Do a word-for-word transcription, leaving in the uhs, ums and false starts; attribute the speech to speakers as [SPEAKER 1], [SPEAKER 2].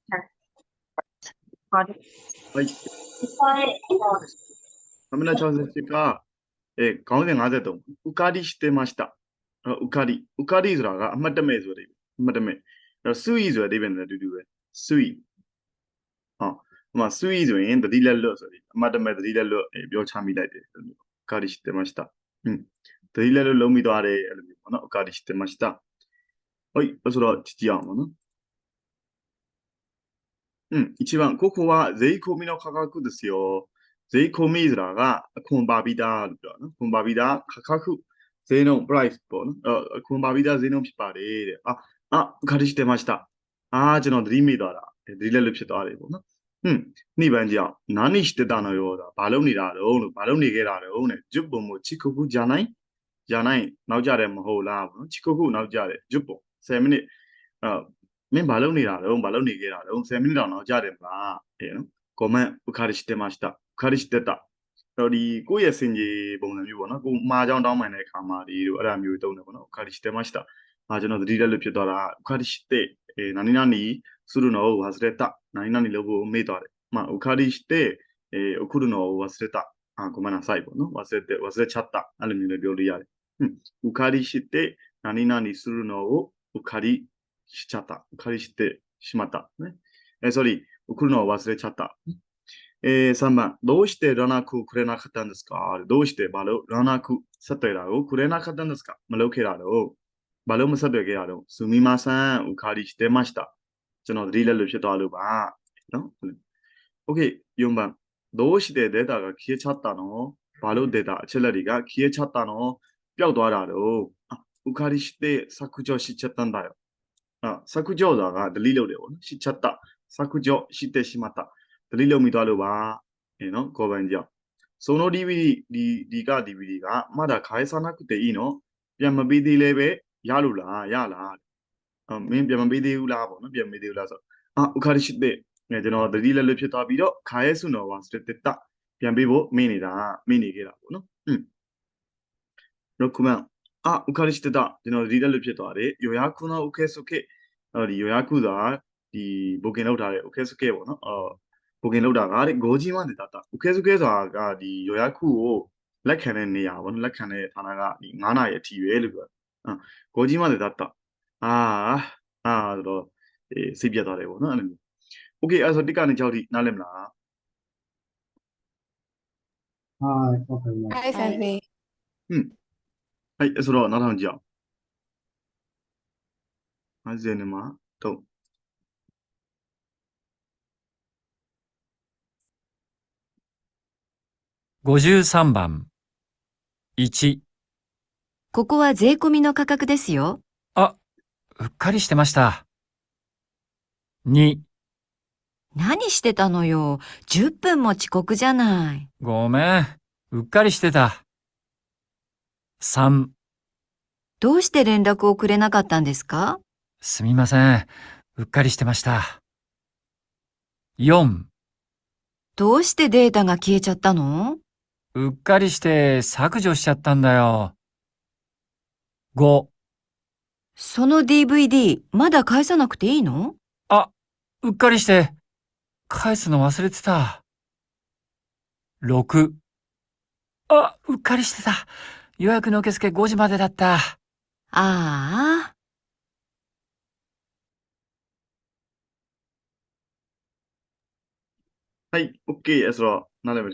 [SPEAKER 1] はい。カメラ調節が、えー、가운데 가운데 또 우카리してました. 어, 우카리. 우카리ဆိုတာကအမှတ်တမဲ့ဆိုတဲ့အဓိပ္ပာယ်အမှတ်တမဲ့အဲ့တော့ sui ဆိုတဲ့အဓိပ္ပာယ်နဲ့အတူတူပဲ sui ဟောဟိုမှာ sui ဆိုရင်သတိလက်လွတ်ဆိုပြီးအမှတ်တမဲ့သတိလက်လွတ်ပြောချမိလိုက်တယ်အဲ့လိုမျိုး 우카리 してましたอืมသတိလက်လွတ်လုံးပြီးသွားတယ်အဲ့လိုမျိုးပေါ့နော် 우카리 してましたはいဆိုတော့ကြည့်ကြည့်အောင်ပါနော်うん、一番、ここは税込みの価格ですよ。税込みဆိုတာကအခွန်ပါပြီးသားလို့ပြောတာနော်။ခွန်ပါပြီးသား価格ဈေးနှုန်း price ပေါ့နော်။အခွန်ပါပြီးသားဈေးနှုန်းဖြစ်ပါတယ်တဲ့။အာအာခါရီしてました。အာကျွန်တော်သတိမိသွားတာ။သတိလက်လွတ်ဖြစ်သွားတယ်ပေါ့နော်။ဟွန်းနှိပန်းကြောင်何してたのよတာဘာလုပ်နေတာတော့လို့ဘာလုပ်နေခဲ့တာတော့တဲ့10分も遅刻じゃないじゃないနောက်ကြတယ်မဟုတ်လားပေါ့နော်။遅刻နောက်ကြတယ်10分10မိနစ်အာမင်းဘာလုပ်နေတာတော့ဘာလုပ်နေခဲ့တာတော့10မိနစ်တောင်နောက်ကြတယ်မလားတဲ့နော်။ comment ဥခါရီしてましたဥခါရီしてたတော့ဒီကိုယ့်ရဲ့စင်ကြီးပုံစံမျိုးပေါ့နော်ကိုမှားကြောင်းတောင်းပန်တဲ့အခါမှာဒီလိုအဲ့ဒါမျိုးတုံးတယ်ပေါ့နော်ဥခါရီしてましたအာကျွန်တော်သတိလက်လွတ်ဖြစ်သွားတာဥခါရီしてえ何々するのを忘れた何々လုပ်ဖို့မေ့သွားတယ်まあဥခါရီしてえ送るのを忘れたあごめんなさいပေါ့နော်忘れて忘れちゃったအဲ့လိုမျိုးလည်းပြောလို့ရတယ်ဥခါရီして何々するのをဥခါရီしちゃった。借りしてしまった。ね。えー、それ、送るのを忘れちゃった。えー、さんばん、どうして連絡をくれなかったんですかどうしてバロ連絡さてらをくれなかったんですかまろけらろバロもさてけらろすみません、お借りしてました。ကျွန်တော်သတိလက်လွတ်ဖြစ်သွားလို့ပါနော် OK よんばんどうしてデータが消えちゃったのဘာလို့データအချက်လက်တွေက消えちゃったのပျောက်သွားတာတော့あお借りして削除しちゃったんだよあ、削除だが delete လုပ်တယ်ပေါ့နော်しちゃった削除してしまった delete လုပ်မိသွားလို့ပါえーနော်ကိုယ်ပိုင်ကြောင့်その DVD ဒီဒီက DVD ကまだ返さなくていいのပြန်မပေးသေးလဲပဲရလို့လားရလားအမင်းပြန်မပေးသေးဘူးလားပေါ့နော်ပြန်မပေးသေးဘူးလားဆိုအာဥခါရရှိတဲ့အဲကျွန်တော်သတိလက်လွတ်ဖြစ်သွားပြီးတော့ခါရဲစုနော်ဝါစတက်တာပြန်ပေးဖို့မင်းနေတာမင်းနေခဲ့တာပေါ့နော်อืม6番あ、うかりしてた。ကျွန်တော်သတိလက်လွတ်ဖြစ်သွားတယ်။予約の受付အဲဒီ予約ကဒီ booking လုပ်ထားတဲ့ 受付ပေါ့နော်။အော် booking လုပ်တာကတဲ့ごじまでだった。受付ဆိုတာကဒီ予約ကိုလက်ခံတဲ့နေရာပေါ့နော်။လက်ခံတဲ့ဌာနကဒီ9နာရီအထိပဲလို့ပြောတာ။အာごじまでだった。အာအာဆိုတော့အေးစိတ်ပြတ်သွားတယ်ပေါ့နော်အဲ့လိုမျိုး။ Okay အဲ့ဆိုတစ်ကနေ၆ထိနားလည်မလား
[SPEAKER 2] はい、わかりま
[SPEAKER 3] は
[SPEAKER 2] し
[SPEAKER 3] い、先生。
[SPEAKER 1] ။うん။はいအဲ့ဆိုတော့နောက်ထောင်ကြည့်အောင်။၅၀မှာတော့
[SPEAKER 4] ごじゅうさんばん。いち。
[SPEAKER 5] ここは税込みの価格ですよ。
[SPEAKER 4] あ、うっかりしてました。に。
[SPEAKER 5] 何してたのよ。じゅっぷんも遅刻じゃない。
[SPEAKER 4] ごめん、うっかりしてた。さん。
[SPEAKER 5] どうして連絡をくれなかったんですか？
[SPEAKER 4] すみません、うっかりしてました。よん。
[SPEAKER 5] どうしてデータが消えちゃったの？
[SPEAKER 4] うっかりして削除しちゃったんだよ。ご。
[SPEAKER 5] その ディーブイディー まだ返さなくていいの？
[SPEAKER 4] あ、うっかりして返すの忘れてた。ろく。あ、うっかりしてた。予約の受付ごじまでだった。
[SPEAKER 5] ああ。
[SPEAKER 1] はい、OK အဲ့ဆိုတော့နားလည်